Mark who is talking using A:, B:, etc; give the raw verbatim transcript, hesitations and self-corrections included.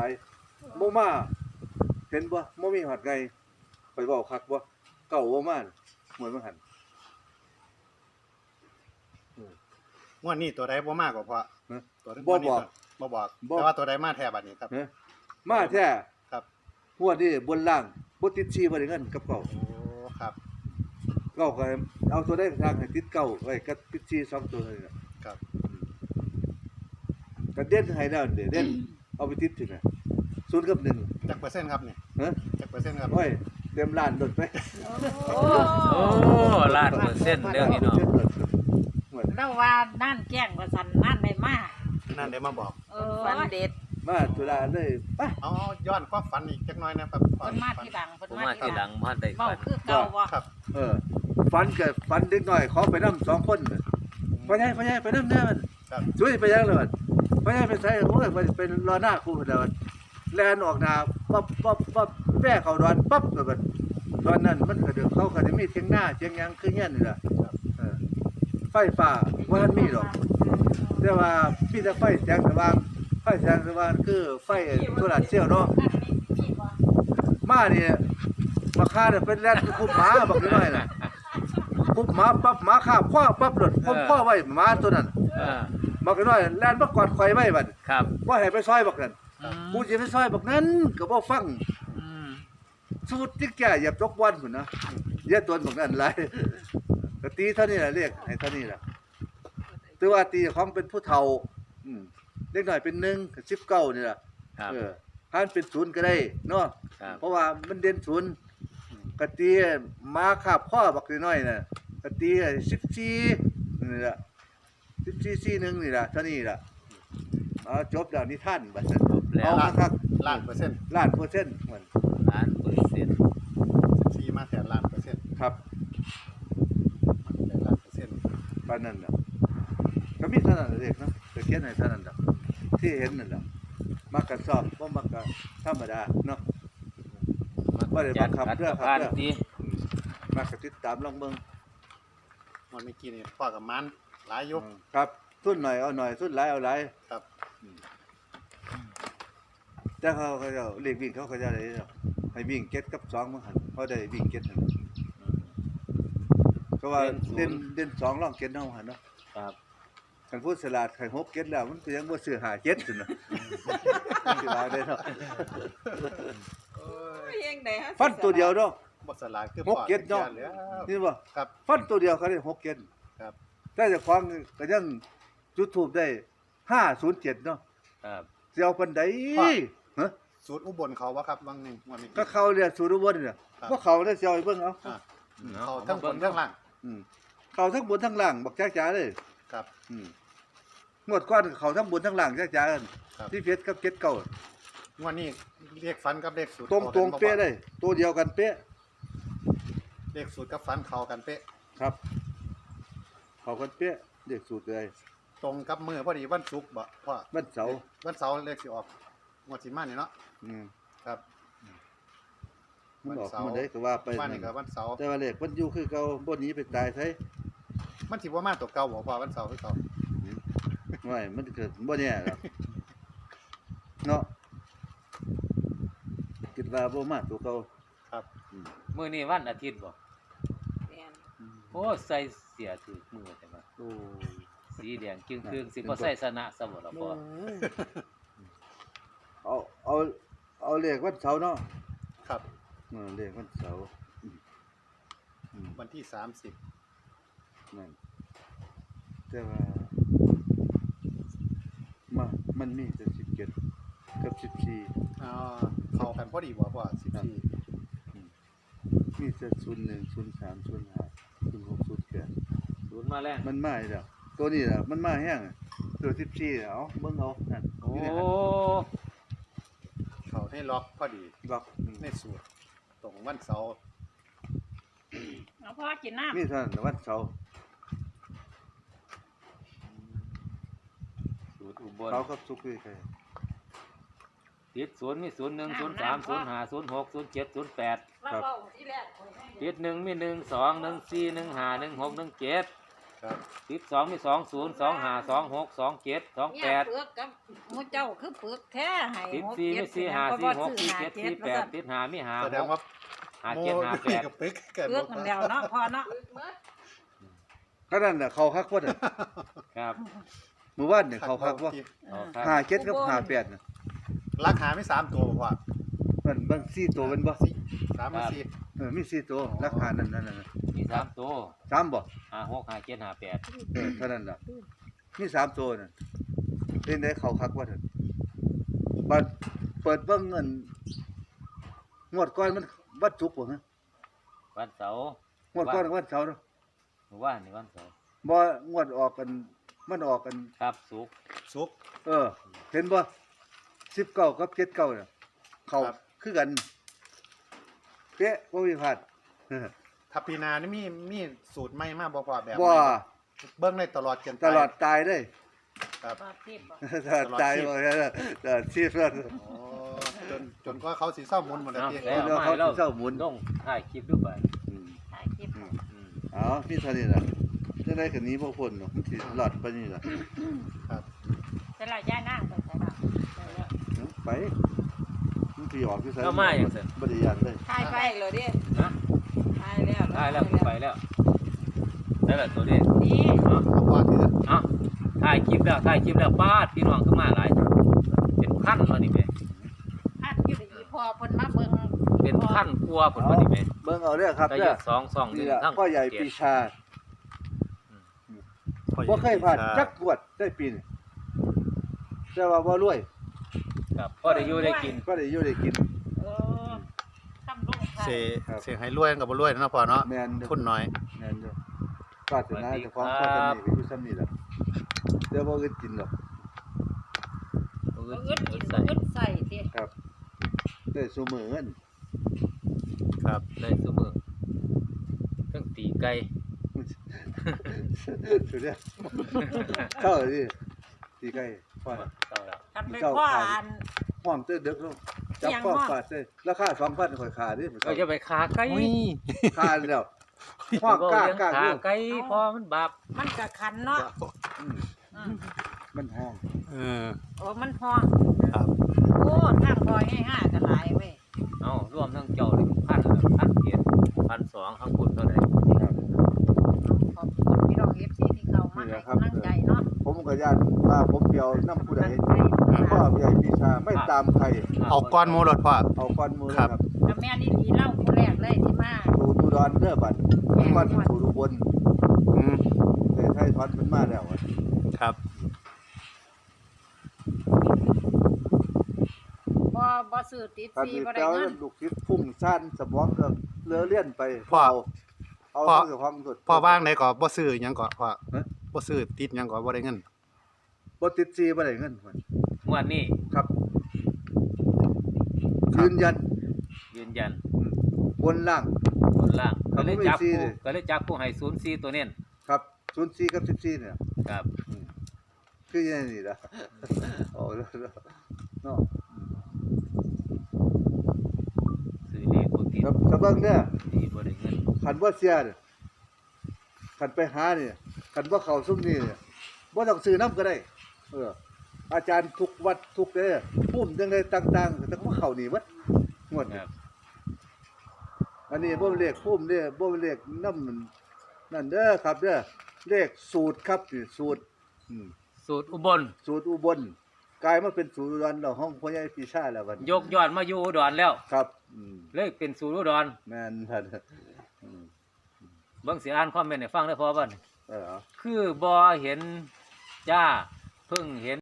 A: ายบ่มาเห็นบ่บ่มีหอดไงไปเว้าคักบ่เก่าบ่มาเหมือนมันหัน
B: งวดนี้ตัวใดบ่มากกว่าพอ
A: ฮะ
B: ตัวใด
A: บ่บอก
B: บ่บอก
A: บ่
B: แต่ว่าตัวใดมาแท้บัดนี้ครับ
A: เฮ้ยมาแท้
B: ครับ
A: หัวดนี่บนล่างบ่ติดชีบ่ได้เงินกับเก่า
B: โอ้ครับ
A: เก่าก็เอาตัวได้ทางให้ติดเก่าไว้กับติดชีสองตัวเลยน่ะ
B: ครับ
A: ก็เด่นให้แล้วเด้เด่นเอาไปติดถึงน่ะศูนย์กับหนึ่ง
B: จักเปอร์เซ็นต์ครับเนี่ย
A: ฮะ
B: จักเปอร์เซ็นต์ครับ
A: โอ้ยเต็มล้านโดดไป
C: โอ้
D: โอ้ล้านเปอร์เซ็นต์เด้อพี่น้อง
C: เราว่านั่นแกล้งว่าสันนั่นได้มา
B: นั่นได้มาบอก
C: เออ
E: ฟันเด็ด
A: มาตุลาเลยไป
B: เอาย้อนความฝันอีกจักหน่อยนะครับ
C: เพิ่นมาที่หลังเพิ่น
D: ผม
C: มา
D: มา
C: ที่
D: ที่
C: ห
D: ห
C: ลั
D: ลั
C: ง
D: งบ้านได้
C: เว้า
D: ฝัน
C: คือเก่าบ่
B: ครับ
A: เออฝันก็ฝันเด็กน้อยขอไปนำสองคนน่ะไปไงไปไงไปนำแน่มัน
B: ครับ
A: ช่วยไปยังเลยมันไปไงไปใส่โอ้ยไปเป็นรอหน้าครูเด้อแล่นออกหน้าปั๊บปั๊บปั๊บแป้เข้าดอนปั๊บก็บัดตอนนั้นมันก็เดี๋ยวเขาก็จะมีเทียงหน้าเทียงหยังคือเงี้ยนี่ล่ะ
B: ครับ
A: เออไฟฟ้าบ่ทันมีดอกแต่ว่ามีแต่ไฟแสงสว่างไฟแสงสว่างคือไฟโซลาร์เซลล์เนาะมานี่มาฆ่าเนี่ยเป็นแล่นคุบหมาบักน้อยน่ะคุบหมาปั๊บหมาคาบคว้าปั๊บหลดผมคว้าไว้หมาตัวนั้น
D: เออ
A: บักน้อยแล่นมากอดข่อยไว้บัด
D: ครับ
A: บ่ให้ไปซอยบักนั้น
D: อืม
A: กูสิไปซอยบักนั้นก็บ่ฟัง
D: อืม
A: สูตรที่แก่อย่าตกวันพุ่นนะอย่าตนบักนั้นหลายก็ตีเท่านี้ล่ะเรียกให้เท่านี้ล่ะแต่ว่าตีของเป็นผู้เฒ่าอืมเล็กน้อยเป็นหนึ่งกับสิบเก้านี่ล่ะ
D: ครับ
A: เออหันเป็นศูนย์ก็ได้เนาะ
D: ครับ
A: เพราะว่ามันเด่นศูนย์กะตีมาคาบข้อบักน้อยน่ะกะตีสิบสี่นี่ล่ะสิบสี่สี่หนึ่งนี่ล่ะเท่านี้ล่ะเอาจบแล้วนิทานบัดนั้น
D: จบแล้ว
A: เอาคัก
B: ล้านเปอร์เซ็นต์
A: ล้านเปอร์เซ็นต์มัน
D: ล้านเปอร์เซ็นต์
B: สี่มาแท้ล้านเปอร์เซ็นต์
A: ครับ
B: ได้ล้านเปอร์เซ็นต์
A: ปานนั้นน่ะก็มีเท่านั้นเองเนาะก็เขียนให้เท่านั้นดอกที่เห็นนั่นล่ะมักก็สอบบ่มักก็ธรรมดาเนาะ บ่ได้บังคับ
D: จัด
A: เด้อครับ
D: การ
A: เด้อ
D: ตี
A: อืมมักก็ติดตามลองเบิ่ง
B: วันเมื่อกี้นี่พ่อกับมันหลายอยก
A: อืมครับทุนหน่อยเอาหน่อยทุนหลายเอาหลาย
B: ครับ
A: แต่เขาเขาเจ้าเลขวิ่งเขาเขาเจะได้เนาะให้วิ่งเก็ดกับสองมั้งหั่นเขาได้วิ่งเก็ดหั่นก็ว่าเด่นเด่นสองรองเก็ดเนาะหั่นเนาะ
D: ครับ
A: คันพูดสลัดให้หกเก็ดแล้วมันก็ยังบ่ซื้อห้าเก็ดซั่นเนาะสิว่าได้เนาะ
E: เองได้ฮะ
A: ฟันตัวเดียวเนาะ
B: บ่สลายคือ
A: หกเก็ดเนาะ
B: แล้ว
A: นี่บ่
B: ครับ
A: ฟันตัวเดียวเขาได้หกเก็ด
B: ครับ
A: แต่เจ้าของก็ยังจุดทูปได้ห้าศูนย์เจ็ดเนาะ
D: ครับ
A: สิเอาปานใดฮะ
B: สูตรอุบลเขาวะครับวังหนึงวันนี้
A: ก็เขาเรียกสุรวนเนี่ย
B: ครับ
A: ว่าเขาได้เสียวให้เบิ่งเอา
B: อ่า
D: เนาะ
B: เขาทั้งบนทั้งล่าง
A: อืมเขาทั้งบนทั้งล่างบักจ้าจ๋าเลย
B: ครับ
A: อืมงวดก้อนเขาทั้งบนทั้งล่างจ้าจ๋ากัน
B: ครับ
A: ที่เพชรกับเก็ดเก่าง
B: วันนี้เรียกฟันกับเลขสูตร
A: ตรงตรง
B: ข้ากันบ่
A: เป๊ะเลย ตัวเดียวกันเป๊ะ
B: เลขสูตรกับฟันเขากันเป๊ะ
A: ครับ เขากันเป๊ะเด็กสูตรเลย
B: ตรงกับมือพอดีวันศุกร์บ่พ่อ
A: วันเสาร์
B: วันเสาร์เลขสิออกงวดสิมานี่เนาะ
A: อืม
B: ครับ
A: มันออก
B: วันเสาร์
A: มันได้ก็ว่าไป
B: วันนี้ก็วันเสาร์
A: แต่ว่าเลขมันอยู่คือเก่าบ่หนีไปตายไส
B: มันสิบ่มาตัวเก่าบ่พ่อวันเสาร์คือเก่า
A: ไม่มันเกิดบ่แน่หรอกเนาะคิดว่าบ่มาตัวเก่า
B: ครับ
A: อืม
D: มื้อนี้วันอาทิตย์บ่
E: แม่น
D: โอ้ใส่เสียถือมือแต่ว่า
A: โอ้
D: สีแดงจึงครึ่งสิบ่ใส่สนะซะบ่ล่ะพ่อ
A: เอาเอาเอาเลขวันเสาร์เนาะ
B: ครับ
A: เออเลขวันเสาร์อืมอืม
B: วันที่สามสิบ
A: นั่นแต่ว่ามามันมีแต่สิบเจ็ดกับสิบสี่
B: อ่าเข้ากันพอดีบ่พ่อสิบสี่
A: มีแต่ศูนย์หนึ่งศูนย์สามศูนย์ห้าศูนย์หกศูนย์แปด
D: ศูนย์มาแล้ว
A: มันมาอีกแล้วตัวนี้แหละมันมาแห้งตัวสิบสี่เอาเบิ่งเอานั่น
D: โอ้
A: นี่แหละ
B: เข้าให้ล็อกพอดี
A: ล็อกอืม
B: ในสูตรตรงวันเสาร์
C: เอาพ่อกินน้ำ
A: มีเท่านั้นวันเสาร์
D: สูตรอุบล
A: เขากับสุกคือใคร
D: ติดศูนย์มีศูนย์หนึ่งศูนย์สามศูนย์ห้าศูนย์หกศูนย์เจ็ดศูนย์แปด
C: เราเว้าที่แรก
D: ติดหนึ่งมีหนึ่งสองหนึ่งสี่หนึ่งห้าหนึ่งหกหนึ่งเจ็ด
B: ครับ
D: สิบสองมีสองศูนย์สองห้าสองหกสองเจ็ดสอง
C: เนี่
D: แป
C: ย
D: ด
C: เปลือกกับหมูเจ้าคือเปลือกแท้ให้
D: สิบ
C: หก
D: สี่
C: เจ็
D: มี
C: ด
D: สี่ห้า
C: ก็
D: สี่
C: บ่
D: หก
C: ซื้อ
D: สี่
C: หา
D: เจ็ด
C: เจ็
D: สี่
C: ด
D: แป
C: ว่า
D: ด
C: ซั่น
D: ติดหามีหา
B: แสดง
D: ห
B: ว่าก
D: หา
B: โม
D: เจ็ดหาแปด
B: กับเป๊กกัน
C: เปลือกมันแล้วเนาะพอเนาะ
A: ก็นั่นน่ะเขาคักว่าน่ะ
D: ครับ
A: เมื่อวานเนี่ยเขาคักว่า
D: เอาครับ
A: ห้าเจ็ดกับห้าแปดน่ะ
B: ราคาไม่สามตัวพ่อ
A: มันบางสี่ตัวเป็นบ่
B: สามมาสี่
A: เออมีสี่ตัวราคานั้นนั่นน่ะ
D: มีสามตัว
A: สามบ่
D: ห้าหกห้าเจ็ดห้าแปด
A: เออเท่านั้นล่ะมีสามตัวน่ะเป็นได้เขาคักว่าเถอะบัดเปิดเบิ่งเงินงวดก่อนมันวัดจุกบ่ฮะ
D: วันเสาร์
A: งวดก่อนวันเสาร์เนาะ
D: หรือว่านี่วันเสาร์
A: บ่งวดออกกันมันออกกัน
D: ครับสุกร์
B: ซุก
A: เออ เห็นบ่สิบเก้ากับเจ็ดเก้าน่ะเขา
B: ครับ
A: คือกันเป๊ะบ่มีพลาด
B: ทัพพีนานี่มีมีสูตรใหม่มากบ่พ่อแบบ
A: ว่า
B: เบิ้งได้ตลอดจน
A: ตลอดตายได้
B: ครับ
C: บ่ทิพย์บ่
A: ตลอดตายบ่ได้ตลอดชีพแล้ว
B: โอ้จนจนกว่าเขาสีเศร้ามุนหมดแล้ว
D: เอา
B: พี่
D: แล้ว
A: เขา
D: มาให้เรา
A: เจ้าหมุน
D: ลงถ่ายคลิปด้วยไป
A: อืม
C: ถ่ายคลิป
A: อืม
D: อืม
A: เอาพี่เท่านี้ล่ะจะได้กันนี้บ่พ้นเนาะมันสิหลอดไปนี่ล่ะ
B: ครับ
C: แต่ละย่านั่งไปใส่ละไปแล้ว
A: ไปมันสิออกคือไส
D: แล้วมาอย่างเสร็จ
A: บ่ได้ยานเลย
C: ถ่ายไป
E: ไปเลยดิ
D: นะ
E: ไปแล้ว
D: ถ่ายแล้วไปแล้วได้แล้วตัวนี้
C: นี่
D: เอา
B: เอาพ่อถือ
D: เอาถ่ายคลิปแล้วถ่ายคลิปแล้วป้าดพี่น้องขึ้นมาหลายเป็นพันมานี่แม่
C: อันอยู่ดีพอเพิ่นมาเบิ่ง
D: เป็นพันกลัวผลมานี่แม่
A: เบิ่งเอาเด้อครับ
D: ก็
A: เด้
D: เย
A: อ
D: อะสองสองหนึ่
A: นี่
D: ง
A: ล่ะ
D: ทั้ง
A: พ่อใหญ่ปีชาบ่เคยผ่านจักงวดได้ปีนี่แต่ว่าบ่รวย
D: ครับพ่อได้อยู่ได้กิน
A: ก็ได้อยู่ได้กิน
C: เออคำลงท้าย
B: เสเสให้รวยกับบ่รวยนะพ่อเนาะ
A: แม่นเด้อ
B: ทุนน้อย
A: แม่นเด้อปรารถนาเจ้าของพ่อจะมีก็อยู่ซ้ำนี่ล่ะเดี๋ยวบ่อึดกินหรอก
D: เออ
C: เอิ้นกิน
D: ใส่
C: เอิ้นใส่ติ
A: ครับได้ซุมื้อเงิน
B: ครับ
D: ได้เสมอเครื่องตีไก่
A: สุดยอดเข้าดิตีไก่ฟาด
D: เอาละ
C: ทำไปพ่ออัน
A: ห้องเต้เด็กลงจับ
C: เสียง
A: ข้อ
C: ห้อง
A: ฟาดเต้ราคาสองพันข่อยขาดิ
D: เราจะไปขาไก่
A: ขาแล้วห้องกล้ากล้า
D: ขา
A: อยู่
D: ไก่พอมันบาป
C: มันก็คันเนาะ
A: อืม
C: อืม
A: มันห้อง
B: เออ
C: โอ้มันพอง
B: ครับ
C: โอ้ทางพอง่ายๆก็หลายเว้ย
D: เอารวมทั้งเจ้าเลยพันพันเกียรพันสองข้างบนเท่าไหร่
A: ครับ
C: ขอบคุณพี่น้อง เอฟ ซี ที่เข้ามาให้กำลังใจเนาะ
A: ผมก็ญาติว่าผมเดียวน้ำผู้ใด
C: กำลังใจ
A: พ่อใหญ่ปีชาไม่ตามใคร
B: เอาก้อนหมูรถพ่อ
A: เอาก้อนมือ
B: ครับ
A: ครับ
C: กับแม่นี่ดีเล่าผู้แรกเลยที่มา
A: ดูดูดอนเด้อบัดมันสู่ดูบน
B: อืม
A: แต่ไทยทอนมันมาแล้วอะ
B: ครับ
C: บ่บ่ซื้อติด
A: คัน
C: ซี
A: นี้
C: บ่ได้
A: เจ้า
C: เงิน
A: ลูกคิดพุ่งซ่านสมองก็เลือเลี่ยนไป
B: พ่อ
A: เอา
B: พ่อ
A: เพื่อความสด
B: พ่อว่างไหนก็บ่ซื้อหยังก็พ่อ
A: ฮะ
B: บ่ซื้อติดหยังก็บ่ได้เงิน
A: บ่ติดซีบ่ได้เงินมัน
D: งวดนี้
A: ครับ ยืนยัน
D: ยืนยัน
A: อืมบนล่าง
D: บนล่าง
A: ครั
D: ก็
A: บ
D: เลย
A: ไม่
D: จับ
A: ซี
D: ผู้
A: เลย
D: ก็เลยจับผู้ให้ศูนย์สี่ตัวเน้น
A: ครับศูนย์สี่กับสิบสี่เนี่ย
D: ครับ
A: อืมคือยังนี่ล่ะ โอ้แล้วเนาะ
D: ซื้อเลขบ่ติด
A: ครับสะเบิ่งเด้อ
D: ดีบ่ได้เงิน
A: คันบ่เสียเนี่ยคันไปหาเนี่ยคันบ่เข้าซุมนี่เนี่ยบ่ต้องซื้อน้ำก็ได้ เออ อาจารย์ทุกวัดทุกเด้อปุ่มจังไดต่างๆแต่ก็บ่เข้านี่เบิดงวด
D: ค
A: นี้
D: รับ
A: อันนี้บ่เป็นเลขพุ่มเด้อบ่เป็นเลขน้ำมันนั่นเด้อครับเด้อเลขสูตรครับนี่สูตรอืม
D: สูตรอุบล
A: สูตรอุบลกลายมาเป็นสูตรอุดรเราห้องพ่อใหญ่ปีชาแล้วบัดนี้
D: ยกยอดมาอยู่อุดรแล้ว
A: ครับอืม
D: เลยเป็นสูตรอุดร
A: แม่นท่านอืม
D: เบิ่งสิอ่านคอมเมนต์ให้ฟังได้อพอบ่
A: เออ
D: คือบ่เห็นจ้าเพิ่งเห็น